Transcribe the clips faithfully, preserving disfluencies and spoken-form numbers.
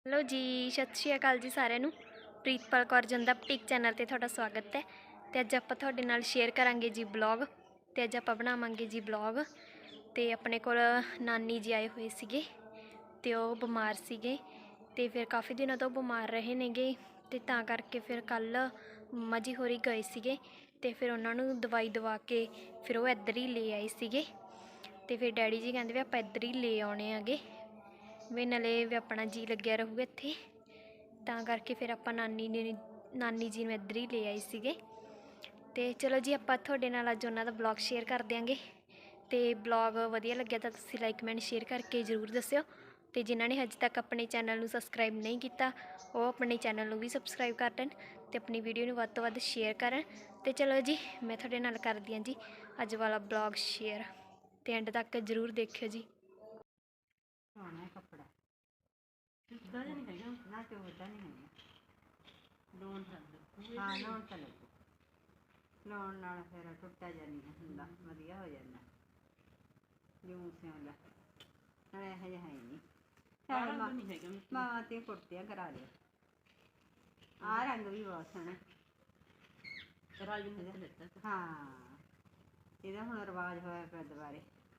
Hello जी, सत श्री अकाल जी सारिਆਂ ਨੂੰ। ਪ੍ਰੀਤਪਾਲ ਕੌਰ ਜੰਦਾ ਬੁਟੀਕ ਚੈਨਲ ਤੇ ਤੁਹਾਡਾ ਸਵਾਗਤ ਹੈ। ਤੇ ਅੱਜ ਆਪਾਂ ਤੁਹਾਡੇ ਨਾਲ ਸ਼ੇਅਰ ਕਰਾਂਗੇ ਜੀ ਬਲੌਗ। ਤੇ ਅੱਜ ਆਪਾਂ ਬਣਾਵਾਂਗੇ ਜੀ ਬਲੌਗ। ਤੇ ਆਪਣੇ ਕੋਲ ਨਾਨੀ ਜੀ ਆਏ ਹੋਏ ਸੀਗੇ ਤੇ ਉਹ ਬਿਮਾਰ ਸੀਗੇ ਤੇ ਫਿਰ ਕਾਫੀ ਦਿਨਾਂ ਤੋਂ ਬਿਮਾਰ ਰਹੇ ਨੇਗੇ ਤੇ ਤਾਂ ਕਰਕੇ ਫਿਰ ਕੱਲ ਮੰਮਾ ਜੀ ਹੋਰੀ ਗਏ ਸੀਗੇ ਤੇ ਫਿਰ ਉਹਨਾਂ ਨੂੰ ਦਵਾਈ ਦਵਾ ਕੇ ਫਿਰ ਉਹ ਇੱਧਰ ਹੀ ਲੈ ਆਏ ਸੀਗੇ। ਤੇ ਫਿਰ ਡੈਡੀ ਜੀ ਕਹਿੰਦੇ ਵੀ ਆਪਾਂ ਇੱਧਰ ਹੀ ਲੈ ਆਉਣੇ ਆਗੇ ਵੀ ਨਾਲੇ ਵੀ ਆਪਣਾ ਜੀ ਲੱਗਿਆ ਰਹੂਗਾ ਇੱਥੇ, ਤਾਂ ਕਰਕੇ ਫਿਰ ਆਪਾਂ ਨਾਨੀ ਨੇ ਨਾਨੀ ਜੀ ਨੂੰ ਇੱਧਰ ਹੀ ਲੈ ਆਏ ਸੀਗੇ। ਤੇ ਚਲੋ ਜੀ ਆਪਾਂ ਤੁਹਾਡੇ ਨਾਲ ਅੱਜ ਉਹਨਾਂ ਦਾ ਬਲੌਗ ਸ਼ੇਅਰ ਕਰ ਦਿਆਂਗੇ। ਤੇ ਬਲੌਗ ਵਧੀਆ ਲੱਗਿਆ ਤਾਂ ਤੁਸੀਂ ਲਾਈਕ ਕਮੈਂਟ ਸ਼ੇਅਰ ਕਰਕੇ ਜ਼ਰੂਰ ਦੱਸਿਓ। ਤੇ ਜਿਨ੍ਹਾਂ ਨੇ ਹਜੇ ਤੱਕ ਆਪਣੇ ਚੈਨਲ ਨੂੰ ਸਬਸਕ੍ਰਾਈਬ ਨਹੀਂ ਕੀਤਾ ਉਹ ਆਪਣੇ ਚੈਨਲ ਨੂੰ ਵੀ ਸਬਸਕ੍ਰਾਈਬ ਕਰ ਲੈਣ ਤੇ ਆਪਣੀ ਵੀਡੀਓ ਨੂੰ ਵੱਧ ਤੋਂ ਵੱਧ ਸ਼ੇਅਰ ਕਰਨ। ਤੇ ਚਲੋ ਜੀ ਮੈਂ ਤੁਹਾਡੇ ਨਾਲ ਕਰਦੀ ਹਾਂ ਜੀ ਅੱਜ ਵਾਲਾ ਬਲੌਗ ਸ਼ੇਅਰ, ਤੇ ਐਂਡ ਤੱਕ ਜ਼ਰੂਰ ਦੇਖਿਓ ਜੀ। ਸੋਹਣਾ ਕੱਪੜਾ ਸਿੱਧਾ ਜਿਹਾ ਨਹੀਂ ਹੈਗਾ ਨਾ, ਚੋਦਾ ਨਹੀਂ ਹੈਗਾ। ਲੋਨ ਚੱਲ ਹਾਂ ਲੋਨ ਤਾਂ ਲੱਗੂ, ਲੋਨ ਨਾਲ ਫਿਰ ਟੁੱਟਾ ਜਾਣੀ ਹੁੰਦਾ, ਵਧੀਆ ਹੋ ਜਾਂਦਾ ਜੂੰ ਸਿਉਂਦਾ ਨਾਲੇ ਇਹੋ ਜਿਹਾ ਹੈ ਨਹੀਂ। ਚੱਲ ਮਾਂ ਨਹੀਂ ਹੈਗਾ, ਮਾਂ ਤੇ ਕੁੜਤੀਆਂ ਕਰਾ ਲਿਓ। ਆਹ ਰੰਗ ਵੀ ਬਹੁਤ ਸੋਹਣਾ ਰਾਜ ਨੇ ਦਿੱਤਾ। ਹਾਂ ਇਹਦਾ ਹੁਣ ਰਿਵਾਜ ਹੋਇਆ ਪਿਆ ਦੁਬਾਰੇ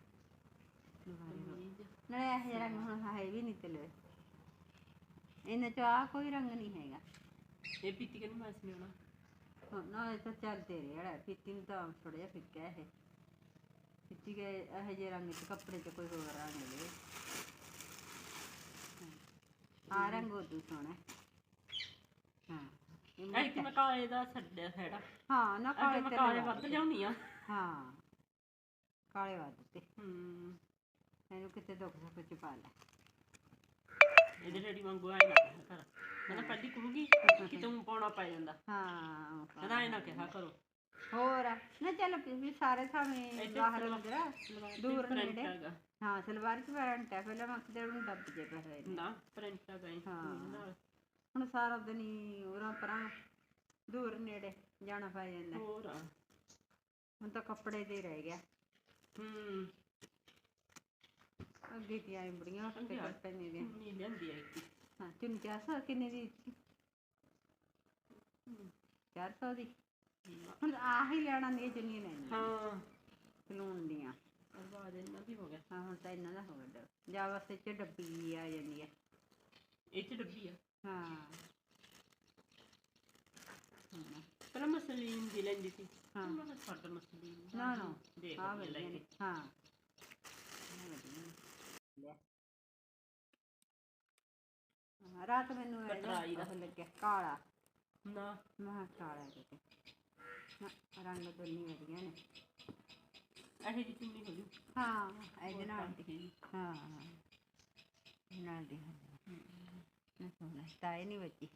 ਨਾਲੇ ਇਹੋ ਜਿਹਾ ਰੰਗ ਹੁਣ ਹੈ ਵੀ ਨਹੀਂ ਤੇਲੇ ਇਹਨਾਂ ਚ ਆਹ ਕੋਈ ਰੰਗ ਨਹੀਂ ਹੈਗਾ। ਇਹ ਪੀਤੀ ਕਹਿੰਦੀ ਮਾਸ ਨਹੀਂ ਆਉਣਾ ਨਾ, ਇਹ ਤਾਂ ਚੱਲ ਤੇਰੇ ਵਾਲਾ ਪੀਤੀ ਨੂੰ ਤਾਂ ਥੋੜਾ ਜਿਹਾ ਫਿੱਕਾ ਇਹ ਪੀਤੀ ਗਏ ਇਹੋ ਜਿਹੇ ਰੰਗ ਚ ਕੱਪੜੇ ਚ ਕੋਈ ਹੋਰ ਰੰਗ ਦੇ। ਆਹ ਰੰਗ ਉਦੋਂ ਸੋਹਣਾ। ਹਾਂ ਇਹ ਮੈਂ ਕਾਲੇ ਦਾ ਛੱਡਿਆ ਖੜਾ। ਹਾਂ ਨਾ ਕਾਲੇ ਤੇ ਕਾਲੇ ਵੱਧ ਲਿਆਉਣੀ ਆ। ਹਾਂ ਕਾਲੇ ਵੱਧ ਤੇ ਹੂੰ ਇਹਨੂੰ ਕਿਤੇ ਦੁੱਖ ਸੁੱਖ ਚ ਪਾ ਲੈ। ਇਹਦੇ ਡੈਡੀ ਵਾਂਗੂ ਆਏ ਨਾ ਕਰ ਕਹਿੰਦਾ ਪਹਿਲੀ ਕਹੂਗੀ ਕਿ ਤੂੰ ਪਾਉਣਾ ਪੈ ਜਾਂਦਾ। ਹਾਂ ਕਹਿੰਦਾ ਐ ਨਾ ਕਿਹਾ ਕਰੋ ਹੋਰ ਨਾ। ਚੱਲ ਵੀ ਸਾਰੇ ਸਾਵੇਂ ਬਾਹਰ ਅੰਦਰ ਦੂਰ ਨੇੜੇ। ਹਾਂ ਸਲਵਾਰ ਚ ਪੈਂਟ ਹੈ ਪਹਿਲਾਂ ਮੈਂ ਕਿਤੇ ਉਹਨੂੰ ਦੱਬ ਜੇ ਪਏ ਨਾ ਪ੍ਰਿੰਟ ਆ ਗਏ। ਹਾਂ ਹੁਣ ਸਾਰਾ ਦਿਨ ਹੀ ਉਰਾਂ ਪਰਾਂ ਦੂਰ ਨੇੜੇ ਜਾਣਾ ਪੈ ਜਾਂਦਾ। ਹੋਰ ਹੁਣ ਤਾਂ ਕੱਪੜੇ ਤੇ ਰਹਿ ਗਿਆ। ਹੂੰ ਅੱਗੇ ਕੀ ਆਏ ਬੜੀਆਂ ਪੈਨੇ ਦੀਆਂ ਨਹੀਂ ਲਿਆਂਦੀ ਆਈ। ਹਾਂ ਤਿੰਨ ਚਾਰ ਸੌ ਕਿੰਨੇ ਦੀ? ਚਾਰ ਸੌ ਦੀ। ਹੁਣ ਆਹ ਹੀ ਲੈਣਾ ਦੀਆਂ ਚੁੰਨੀਆਂ ਲੈਣੀਆਂ। ਹਾਂ ਸਲੂਨ ਦੀਆਂ ਆਵਾਜ਼ ਇਹਨਾਂ ਦੀ ਹੋ ਗਿਆ। ਹਾਂ ਹੁਣ ਤਾਂ ਇਹਨਾਂ ਦਾ ਹੋ ਗਿਆ ਜਾਂ ਬਸ ਇਹ ਚ ਡੱਬੀ ਆ ਜਾਂਦੀ ਹੈ। ਇਹ ਚ ਡੱਬੀ ਆ। ਹਾਂ ਪਹਿਲਾਂ ਮਸਲੀਨ ਦੀ ਲੈਂਦੀ ਸੀ। ਹਾਂ ਮੈਂ ਛੱਡ ਮਸਲੀਨ ਨਾ ਨਾ ਦੇਖ ਲੈ ਕੇ। ਹਾਂ ਰਾਤ ਮੈਨੂੰ ਉਹ ਲੱਗਿਆ ਕਾਲਾ ਨਾ ਮੈਂ ਕਾਲਾ ਕਿਤੇ ਰੰਗ ਦੋਨੀ ਵਧੀਆ ਨੇ ਇਹੋ ਜਿਹੀ ਚੁੰਨੀ ਹੋ ਜੂ। ਹਾਂ ਇਹਦੇ ਨਾਲ ਦੀ ਹਾਂ ਨਾਲ ਦੀ ਸੋਹਣਾ ਤਾਏ ਨਹੀਂ ਬੱਚੀ।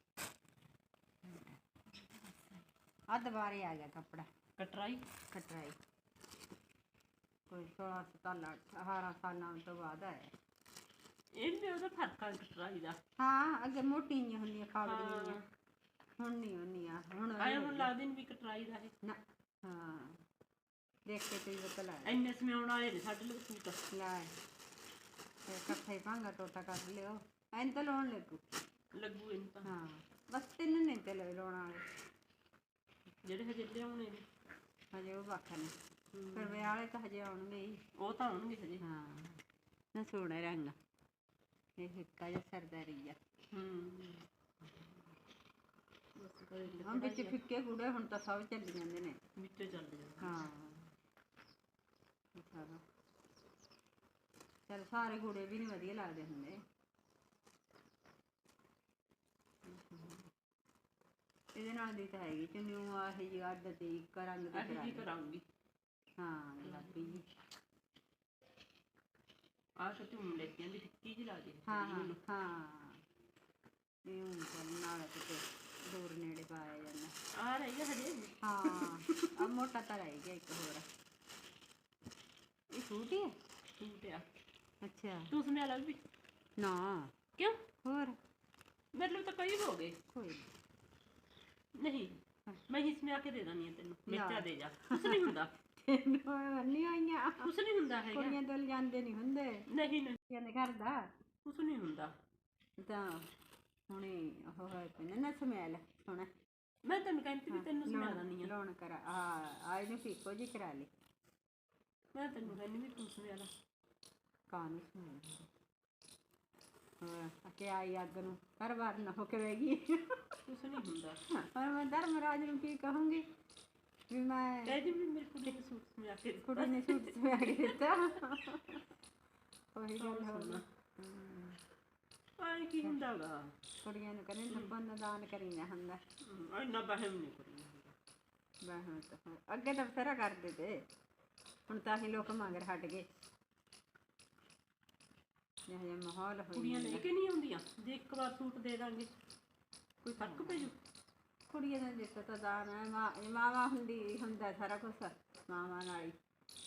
ਆ ਦੁਬਾਰੇ ਆ ਗਿਆ ਕੱਪੜਾ ਕਟਰਾਈ ਕਟਰਾਈ ਕੋਈ ਸੋਲਾਂ ਸਤਾਲਾਂ ਅਠਾਰਾਂ ਸਾਲਾਂ ਤੋਂ ਬਾਅਦ ਆਇਆ ਇਹ ਵੀ ਉਹਦਾ ਫਰਕ ਆ ਕਟਰਾਈ ਦਾ। ਹਾਂ ਅੱਗੇ ਮੋਟੀਆਂ ਹੁੰਦੀਆਂ ਖਾਬੜੀਆਂ ਹੁਣ ਨਹੀਂ ਹੁੰਦੀਆਂ। ਹੁਣ ਆਏ ਹੁਣ ਲੱਗਦੇ ਨਹੀਂ ਵੀ ਕਟਰਾਈ ਦਾ ਹੈ ਨਾ। ਹਾਂ ਦੇਖ ਕੇ ਤੇ ਪਤਾ ਲੱਗ ਇੰਨੇ ਸਮਿਆਉਣ ਵਾਲੇ ਨੇ ਸਾਡੇ ਲੋਕ ਸੂਟ ਲੈ ਫਿਰ ਇਕੱਠਾ ਹੀ ਭਾਂਗਾ ਟੋਟਾ ਕਰ ਲਿਓ ਐਨ ਤਾਂ ਲਾਉਣ ਲੱਗੂ ਲੱਗੂ ਇਹਨੂੰ ਤਾਂ। ਹਾਂ ਬਸ ਤਿੰਨ ਨੇ ਤੇ ਲਾਉਣ ਵਾਲੇ ਜਿਹੜੇ ਹਜੇ ਲਿਆਉਣੇ ਨੇ ਹਜੇ ਉਹ ਵੱਖ ਨੇ। ਫਿਰ ਵਿਆਹ ਵਾਲੇ ਤਾਂ ਹਜੇ ਆਉਣਗੇ ਹੀ। ਉਹ ਤਾਂ ਆਉਣਗੇ ਹਜੇ। ਹਾਂ ਨਾ ਸੋਹਣਾ ਰੰਗ ਇਹ ਫਿੱਕਾ ਜਿਹਾ ਸਰਦਾਰੀ ਆ। ਹੂੰ ਹੁਣ ਵਿੱਚ ਫਿੱਕੇ ਗੂੜੇ ਹੁਣ ਤਾਂ ਸਭ ਚੱਲ ਜਾਂਦੇ ਨੇ ਵਿੱਚੋਂ ਚੱਲ ਜਾਂਦੇ। ਹਾਂ ਚੱਲ ਸਾਰੇ ਗੂੜੇ ਵੀ ਨਹੀਂ ਵਧੀਆ ਲੱਗਦੇ ਹੁੰਦੇ। ਇਹਦੇ ਨਾਲ ਦੀ ਤਾਂ ਹੈਗੀ ਚੁੰਨੀ ਆਹੀ ਜਿਹੀ ਅੱਡ ਤੇ ਇੱਕ ਰੰਗ ਦੀ ਕਰਾਂਗੀ। ਹਾਂ ਗੁਲਾਬੀ ਜੀ ਆਹ ਸੱਚ ਹੁਣ ਲੈ ਕੇ ਆਂਦੀ ਫਿੱਕੀ ਜਿਹੀ ਲੱਗਦੀ। ਹਾਂ ਹਾਂ ਹਾਂ ਇਹ ਹੁਣ ਚੱਲ ਨਾਲ ਕਿਤੇ ਦੂਰ ਨੇੜੇ ਪਾਇਆ ਜਾਂਦਾ। ਆਹ ਰਹਿ ਗਿਆ ਹਜੇ। ਹਾਂ ਆਹ ਮੋਟਾ ਤਾਂ ਰਹਿ ਗਿਆ ਇੱਕ ਹੋਰ। ਇਹ ਸੂਟ ਹੀ ਹੈ ਸੂਟ ਆ। ਅੱਛਾ ਤੂੰ ਸਮਿਆ ਲਾ ਵੀ ਨਾ ਕਿਉਂ ਹੋਰ ਮੇਰੇ ਲਈ ਤਾਂ ਕਈ ਹੋ ਗਏ। ਕੋਈ ਨਹੀਂ ਮੈਂ ਹੀ ਸਮਿਆ ਕੇ ਦੇ ਦਿੰਦੀ ਹਾਂ ਤੈਨੂੰ। ਮੇਚਾ ਦੇ ਜਾ ਕੁਛ ਨਹੀਂ ਹੁੰਦਾ। ਨਹੀਂ ਆਈਆਂ ਕੁਛ ਨਹੀਂ ਹੁੰਦਾ ਹੈਗਾ। ਕੁੜੀਆਂ ਤੋਂ ਲਿਜਾਂਦੇ ਨਹੀਂ ਹੁੰਦੇ। ਨਹੀਂ ਨਹੀਂ ਕਹਿੰਦੇ ਘਰ ਦਾ ਕੁਛ ਨਹੀਂ ਹੁੰਦਾ ਤਾਂ ਹੁਣੇ ਉਹ ਹੋਏ ਪਏ ਨੇ ਨਾ ਸਮੈਲ ਹੁਣ ਮੈਂ ਤੈਨੂੰ ਕਹਿੰਦੀ ਵੀ ਤੈਨੂੰ ਸਮਝਾ ਦਿੰਦੀ ਆ ਲੋਨ ਕਰਾ ਹਾਂ ਆ ਇਹਨੂੰ ਫੀਕੋ ਜੀ ਕਰਾ ਲਈ ਮੈਂ ਤੈਨੂੰ ਕਹਿੰਦੀ ਵੀ ਤੂੰ ਸਮਝਾ ਲਾ ਕਾਨੂੰ ਸਮੈਲ ਹਾਂ ਅਕੇ ਆਈ ਅੱਗ ਨੂੰ ਹਰ ਵਾਰ ਨਾ ਹੋ ਕੇ ਵੇਗੀ ਕੁਛ ਨਹੀਂ ਹੁੰਦਾ ਪਰ ਮੈਂ ਧਰਮਰਾਜ ਨੂੰ ਕੀ ਕਹੂੰਗੀ ਵੀ ਮੈਂ ਕਹਿ ਦੀ ਵੀ ਮੇਰੀ ਕੁੜੀ ਨੂੰ ਸੂਟ ਸਮਝਾ ਕੇ ਦਿੱਤਾ। ਕੁੜੀ ਨੇ ਸੂਟ ਸਮਿਆ ਕੇ ਦਿੱਤਾ ਉਹੀ ਗੱਲ ਹੋ ਨਾ ਆਏ ਕੀ ਹੁੰਦਾ ਗਾ ਕੁੜੀਆਂ ਨੂੰ ਕਹਿੰਦੇ ਨੱਬਨ ਦਾਨ ਕਰੀ ਨਾ ਹੁੰਦਾ ਹਮ, ਇੰਨਾ ਬਹਿਮ ਨਹੀਂ ਕਰੀ ਵਹਿਮ ਤਾਂ ਹੁਣ ਅੱਗੇ ਤਾਂ ਬਥੇਰਾ ਕਰਦੇ ਤੇ ਹੁਣ ਤਾਂ ਹੀ ਲੋਕ ਮਗਰ ਹਟ ਗਏ ਜਿਹੋ ਜਿਹਾ ਮਾਹੌਲ ਹੋ ਕੁੜੀਆਂ ਲੈ ਕੇ ਨਹੀਂ ਆਉਂਦੀਆਂ ਜੇ ਇੱਕ ਵਾਰ ਸੂਟ ਦੇ ਦਾਂਗੇ ਕੋਈ ਫਰਕ ਪੈ ਜੂ ਕੁੜੀਆਂ ਦਾ ਦੇਖੋ ਤਾਂ ਦਾਨ ਹੈ ਮਾਂ ਮਾਵਾ ਹੁੰਦੀ ਹੁੰਦਾ ਸਾਰਾ ਕੁਛ ਮਾਵਾਂ ਨਾਲ ਹੀ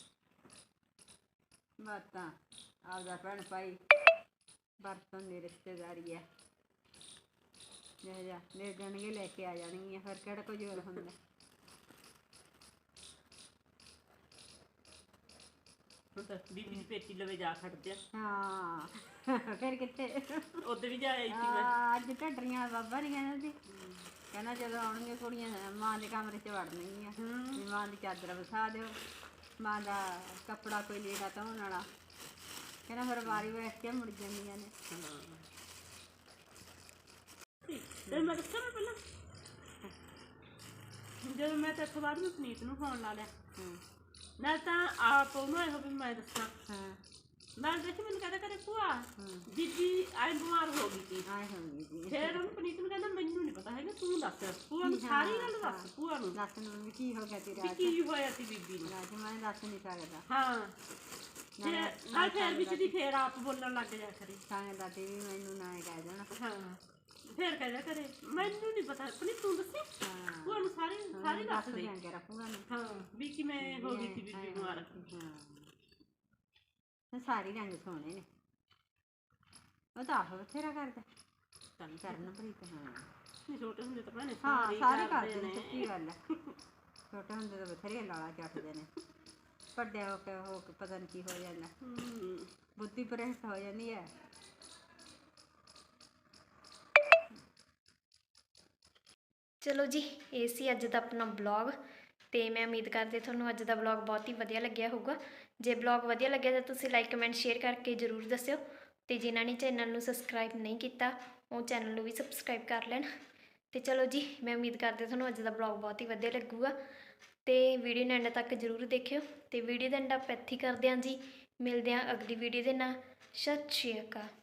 ਬਾਤਾਂ ਆਪਦਾ ਭੈਣ ਭਾਈ ਬਰਤਨ ਦੀ ਰਿਸ਼ਤੇਦਾਰੀ ਹੈ ਜਿਹੋ ਜਿਹਾ ਲੈ ਜਾਣਗੇ ਲੈ ਕੇ ਆ ਜਾਣਗੀਆਂ ਫਿਰ ਕਿਹੜਾ ਕੋਈ ਜ਼ੋਰ ਹੁੰਦਾ ਹੁਣ ਤਾਂ ਬੀਬੀ ਦੀ ਪੇਟੀ ਲਵੇ ਜਾ ਖੜਦੇ ਆ ਹਾਂ ਫਿਰ ਕਿੱਥੇ ਉਦੋਂ ਵੀ ਜਾ ਆਈ ਸੀ ਮੈਂ ਆ, ਅੱਜ ਢੱਡਰੀਆਂ ਬਾਬਾ ਨਹੀਂ ਕਹਿੰਦਾ ਸੀ ਕਹਿੰਦਾ ਜਦੋਂ ਆਉਣਗੀਆਂ ਕੁੜੀਆਂ ਮਾਂ ਦੇ ਕਮਰੇ 'ਚ ਵੜਨਗੀਆਂ ਵੀ ਮਾਂ ਦੀ ਚਾਦਰ ਵਿਛਾ ਦਿਓ ਮਾਂ ਦਾ ਕੱਪੜਾ ਕੋਈ ਲੀੜਾ ਧੋਣ ਵਾਲਾ ਕਹਿੰਦਾ ਫਿਰ ਵਾਰੀ ਬੈਠ ਕੇ ਮੁੜ ਜਾਂਦੀਆਂ ਨੇ ਤੇ ਮੈਂ ਦੱਸਾਂ ਮੈਂ ਪਹਿਲਾਂ ਜਦੋਂ ਮੈਂ ਤਾਂ ਇੱਥੋਂ ਬਾਅਦ ਮੈਂ ਸੁਨੀਤ ਨੂੰ ਫੋਨ ਲਾ ਲਿਆ ਹਾਂ ਨਾਲ ਤਾਂ ਆਪ ਉਹਨੂੰ ਇਹੋ ਵੀ ਮੈਂ ਦੱਸਾਂ ਹਾਂ ਮੈਂ ਦੇਖੀ ਮੈਨੂੰ ਕਹਿੰਦਾ ਕਰੇ ਭੂਆ ਬੀਬੀ ਆਈ ਬਿਮਾਰ ਹੋ ਗਈ ਸੀ ਆਏ ਹੋਣਗੇ ਜੀ ਫਿਰ ਉਹਨੂੰ ਪਨੀਤ ਨੂੰ ਕਹਿੰਦਾ ਮੈਨੂੰ ਨਹੀਂ ਪਤਾ ਹੈਗਾ ਤੂੰ ਦੱਸ ਭੂਆ ਨੂੰ ਸਾਰੀ ਗੱਲ ਦੱਸ ਭੂਆ ਨੂੰ ਦੱਸ ਨੂੰ ਵੀ ਕੀ ਹੋ ਗਿਆ ਤੇਰੇ ਵੀ ਅੱਜ ਕੀ ਹੋਇਆ ਸੀ ਬੀਬੀ ਨੂੰ ਅੱਜ ਮੈਂ ਦੱਸ ਨਹੀਂ ਸਕਦਾ ਹਾਂ ਤੇ ਨਾਲ ਫਿਰ ਵਿੱਚ ਦੀ ਫੇਰ ਆਪ ਬੋਲਣ ਲੱਗ ਜਾ ਕਰੇ ਸਾਂ ਦਾਦੀ ਵੀ ਮੈਨੂੰ ਨਾ ਇਹ ਕਹਿ ਦੇਣਾ ਹਾਂ ਫੇਰ ਕਹਿ ਕਰੇ ਮੈਨੂੰ ਨਹੀਂ ਪਤਾ ਪਨੀਤ ਤੂੰ ਦੱਸੇ ਹਾਂ ਭੂਆ ਨੂੰ ਸਾਰੀ ਸਾਰੀ ਦੱਸ ਦੇ ਦਿਆਂਗੇ ਰੱਖੂਗਾ ਨਾ ਹਾਂ ਵੀ ਕਿਵੇਂ ਹੋ ਗਈ ਸੀ ਬੀਬੀ ਬਿਮਾਰ ਹਾਂ ਸਾਰੀ ਰੰਗ ਸੋਹਣੇ ਨੇ ਉਹ ਤਾਂ ਆਪ ਬਥੇਰਾ ਕਰਦਾ ਚੱਲ ਕਰਨ ਪ੍ਰੀਤ ਹਾਂ ਨਹੀਂ ਛੋਟੇ ਹੁੰਦੇ ਤਾਂ ਭੈਣੇ ਹਾਂ ਸਾਰੇ ਕਰਦੇ ਨੇ ਸੱਚੀ ਗੱਲ ਹੈ ਛੋਟੇ ਹੁੰਦੇ ਤਾਂ ਬਥੇਰੇ ਲਾਲਾ ਚੱਟਦੇ ਨੇ ਵੱਡੇ ਹੋ ਕੇ ਹੋ ਕੇ ਪਤਾ ਨਹੀਂ ਕੀ ਹੋ ਜਾਂਦਾ ਹੂੰ ਬੁੱਧੀ ਭ੍ਰਿਸ਼ਟ ਹੋ ਜਾਂਦੀ ਹੈ ਚਲੋ ਜੀ ਇਹ ਸੀ ਅੱਜ ਦਾ ਆਪਣਾ ਬਲੌਗ ਤੇ ਮੈਂ ਉਮੀਦ ਕਰਦੀ ਤੁਹਾਨੂੰ ਅੱਜ ਦਾ ਬਲੌਗ ਬਹੁਤ ਹੀ ਵਧੀਆ ਲੱਗਿਆ ਹੋਊਗਾ ਜੇ ਬਲੌਗ ਵਧੀਆ ਲੱਗਿਆ ਤਾਂ ਤੁਸੀਂ ਲਾਈਕ ਕਮੈਂਟ ਸ਼ੇਅਰ ਕਰਕੇ ਜ਼ਰੂਰ ਦੱਸਿਓ ਤੇ ਜਿਨ੍ਹਾਂ ਨੇ ਚੈਨਲ ਨੂੰ ਸਬਸਕ੍ਰਾਈਬ ਨਹੀਂ ਕੀਤਾ ਉਹ ਚੈਨਲ ਨੂੰ ਵੀ ਸਬਸਕ੍ਰਾਈਬ ਕਰ ਲੈਣ ਤੇ ਚਲੋ ਜੀ ਮੈਂ ਉਮੀਦ ਕਰਦੀ ਤੁਹਾਨੂੰ ਅੱਜ ਦਾ ਬਲੌਗ ਬਹੁਤ ਹੀ ਵਧੀਆ ਲੱਗੂਗਾ ਤੇ ਵੀਡੀਓ ਨੂੰ ਐਂਡ ਤੱਕ ਜ਼ਰੂਰ ਦੇਖਿਓ ਤੇ ਵੀਡੀਓ ਦਾ ਐਂਡ ਆਪਾਂ ਇੱਥੇ ਹੀ ਕਰਦੇ ਹਾਂ ਜੀ ਮਿਲਦੇ ਹਾਂ ਅਗਲੀ ਵੀਡੀਓ ਦੇ ਨਾਲ ਸਤਿ ਸ਼੍ਰੀ ਅਕਾਲ।